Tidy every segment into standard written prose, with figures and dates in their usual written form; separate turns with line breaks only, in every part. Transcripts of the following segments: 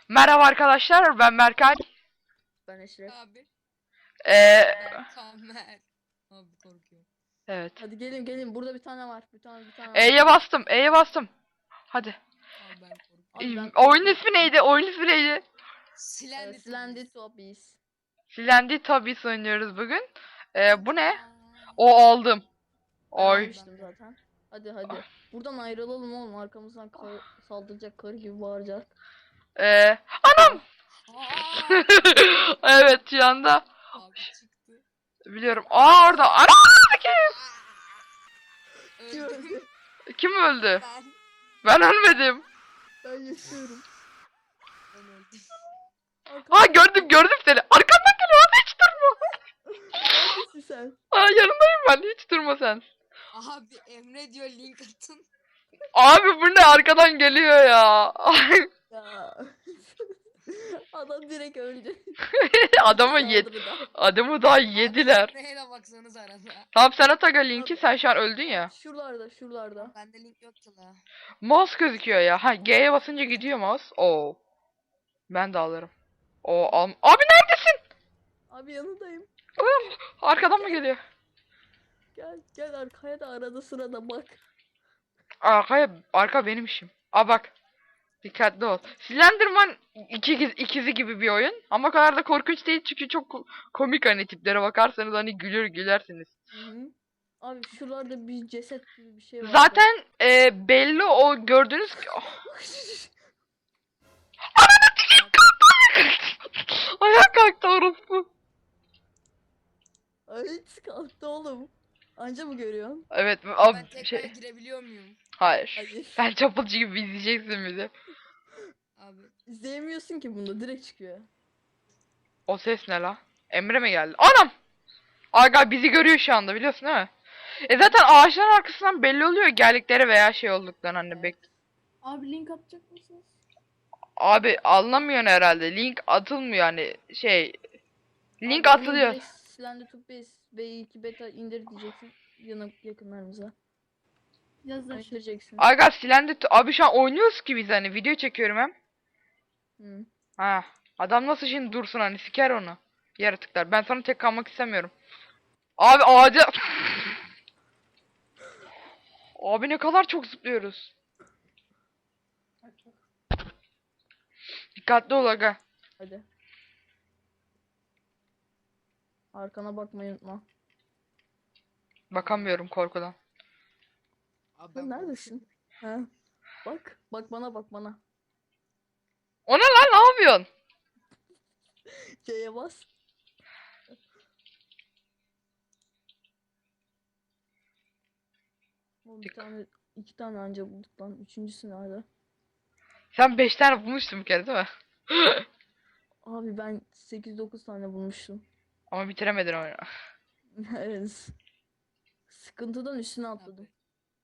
Merhaba arkadaşlar, ben Berkay.
Ben Eşref.
Abi
Ee,
ben Tamer. Abi korkuyorum.
evet.
Hadi gelin burada bir tane var. Bir tane var.
E'ye bastım, E'ye bastım. Hadi.
Abi ben korkuyorum.
Abi ben
Oyunun ismi neydi? Oyunun ismi neydi?
Silendi
Slendy Toppies.
Silendi Tabii oynuyoruz bugün. Bu ne?
Aa,
O aldım.
Ben
Oy.
almıştım zaten. Hadi. Buradan ayrılalım oğlum. Arkamızdan saldıracak karı gibi bağıracak.
Anam!
aa,
Evet şu anda.
abi çıktı.
Biliyorum. Aa orada. Anam!
Öldüm
Kim öldü?
ben.
Ben ölmedim.
Ben yaşıyorum.
Ben öldüm.
Aa gördüm seni. Arkamdan geliyor. Hiç durma.
Neredesin sen?
Aa yanındayım ben. Hiç durma sen.
Abi Emre diyor link atın.
Abi bu ne arkadan geliyor ya.
Ya. Adam direkt öldü.
Adamı yedi.
Saldırıda.
Adamı daha yediler.
Emre'ye de baksanız arada.
Tamam sen at aga linki, sen şu an öldün ya.
Şuralarda.
Bende link yoktu la.
Mouse gözüküyor ya. Ha G'ye basınca gidiyor mouse. Oo. Ben de alırım. Oo al. Abi neredesin?
Abi yanındayım.
Arkadan mı geliyor?
Gel arkaya da arada sırada bak.
Arka benim işim. Aa bak. Dikkatli ol. Slenderman ikizi gibi bir oyun. Ama o kadar da korkunç değil çünkü çok komik, hani tiplere bakarsanız hani gülersiniz.
Hı. Abi şuralarda bir ceset gibi bir şey var.
Zaten belli o gördüğünüz... Oh, ayağa kalktı orospu.
Ay kalktı oğlum. Anca mı görüyorsun?
Evet
Ben
abi
tekrar girebiliyor muyum?
hayır.
Hayır.
Sen çapulcu gibi izleyeceksin bizi.
Abi
İzleyemiyorsun ki bunda direkt çıkıyor.
O ses ne la? Emre mi geldi? Anam! Aga bizi görüyor şu anda, biliyorsun değil mi? Zaten ağaçların arkasından belli oluyor geldikleri veya şey olduklarını, hani bek.
Abi link atacak mısınız?
Abi anlamıyorsun herhalde. Link atılmıyor hani şey. Link
Abi,
atılıyor.
Slender to Base V2 beta indir diyeceksin yakınlarımıza. İndireceksin.
Aga silendi. Abi şu an oynuyoruz ki biz, hani video çekiyorum hem.
Hı.
Ha. Adam nasıl şimdi dursun, hani siker onu. Yaratıklar. Ben sana tek kalmak istemiyorum. Abi ağaca... Abi ne kadar çok zıplıyoruz. Dikkatli ol aga.
Hadi. Arkana bakmayı unutma.
Bakamıyorum korkudan.
abi
Sen
ben
neredesin? Ha? Bak bana.
O ne lan, ne yapıyorsun?
C'ye bas. Oğlum iki tane anca bulduk lan. Üçüncüsü nerede?
Sen 5 tane bulmuştun bir kere değil mi?
Abi ben 8-9 tane bulmuştum.
Ama bitiremedin oyunu.
Evet. Sıkıntıdan üstüne atladım.
Abi,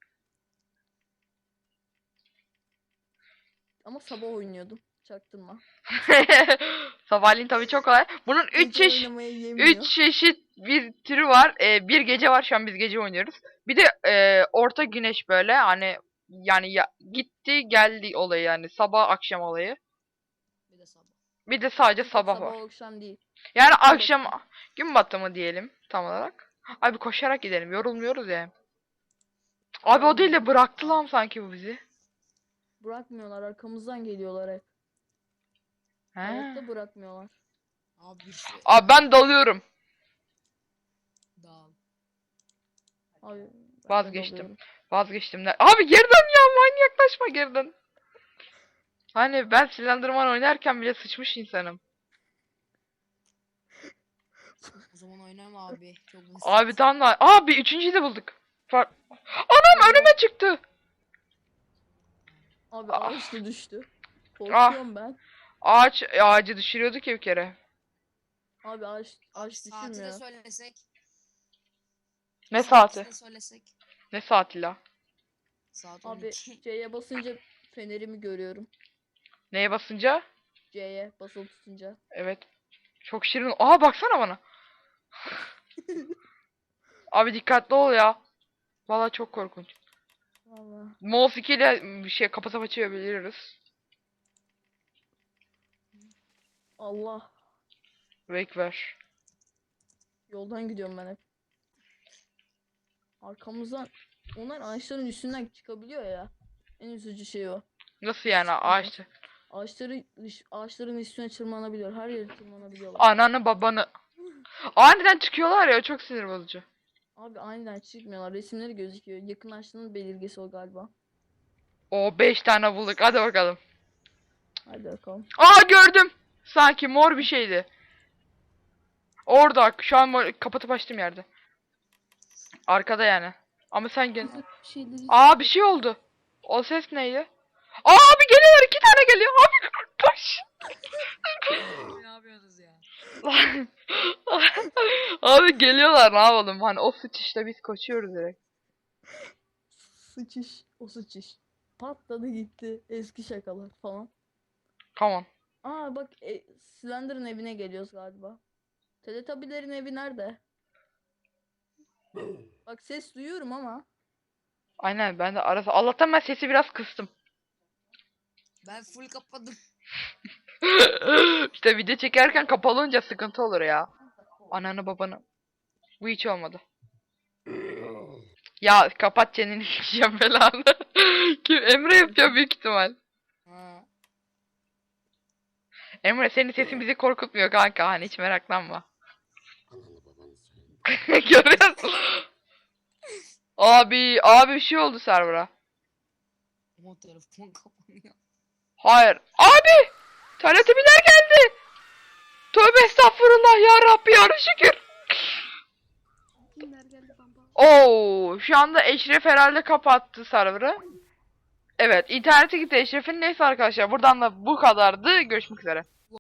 Ama sabah oynuyordum. Çaktırma.
Sabahleyin tabii çok kolay. Bunun 3
Gece
çeşit
oynamaya yemiyor.
3 çeşit bir türü var. Bir gece var, şu an biz gece oynuyoruz. Bir de orta güneş, böyle hani yani gitti geldi olayı, yani sabah akşam olayı.
bir de sabah.
Bir de sadece
Bir tek
sabah
sabah
var.
akşam değil.
Yani
Gün
akşam gün batımı diyelim tam olarak. Abi koşarak gidelim, yorulmuyoruz ya. Abi o değil de bıraktı lan sanki bu bizi.
Bırakmıyorlar. Arkamızdan geliyorlar hep.
He.
Hayatta bırakmıyorlar.
Abi şu
Abi ben dalıyorum.
dağıl.
Abi ben de
Vazgeçtim.
dalıyorum.
Vazgeçtim. Abi geri dön ya, manyaklaşma, geri dön. Hani ben Slenderman oynarken bile sıçmış insanım.
O zaman oynama abi. Çok basit.
Abi tamam da. Abi üçüncüyü de bulduk. Anam önüme çıktı.
Abi
Ah.
ağaçta düştü. Korkuyorum ben.
Ağacı düşürüyorduk ya bir kere.
Abi ağaç
Saati de
düşürmüyor.
söylesek.
Ne
Saati
saati?
de söylesek.
Ne saati la?
Saat
Abi
12.
C'ye basınca fenerimi görüyorum.
Neye basınca?
C'ye basılı tutunca.
Evet. Çok şirin. Aha baksana bana. Abi dikkatli ol ya. Vallahi çok korkunç.
Vallahi.
Mouse 2 ile bir şey kapatıp açabiliyoruz.
Allah.
Wake ver.
Yoldan gidiyorum ben hep. Arkamızdan onlar ağaçların üstünden çıkabiliyor ya. En üzücü şey o.
Nasıl yani ağaçta?
Ağaçların üstüne tırmanabiliyor. Her yere tırmanabiliyorlar.
Ananı babanı. Aniden çıkıyorlar ya, çok sinir bozucu.
Abi aniden çıkmıyorlar. Resimleri gözüküyor. Yakınlaştığının belirgesi o galiba.
O 5 tane bulduk, hadi bakalım.
Hadi bakalım.
Aa, gördüm. Sanki mor bir şeydi. Orada şu an kapatıp açtığım yerde. Arkada yani. Ama sen gel.
Bir şeyleri...
Aa, bir şey oldu. O ses neydi? Aa, abi geliyorlar, 2 tane geliyor. Abi koş.
Ne yapıyorsunuz ya?
Abi geliyorlar, ne yapalım? Hani o sıçışta biz koşuyoruz direkt.
Sıçış. O sıçış. Patladı gitti. Eski şakalar falan.
Come on.
Aa bak Slender'ın evine geliyoruz galiba. Teletubbies'lerin evi nerede? Bak ses duyuyorum ama.
Aynen, ben de arası. Allah'tan ben sesi biraz kıstım.
Ben full kapadım.
İşte video çekerken kapalı olunca sıkıntı olur ya. Ananı babanı. Bu hiç olmadı. Ya kapat çeneni, yiyeceğim belanı. Kim? Emre yapıyor büyük ihtimal.
Ha.
Emre, senin sesin bizi korkutmuyor kanka, hani hiç meraklanma. Görüyorsun. Abi bir şey oldu server'a.
Ama telefon kapanıyor.
Hayır. Abi! Teletubbies'ler geldi. Tövbe estağfurullah ya Rabbi, ya şükür. Oo, şu anda Eşref herhalde kapattı server'ı. Evet, internete gitti Eşref'in. Neyse arkadaşlar, buradan da bu kadardı. Görüşmek üzere.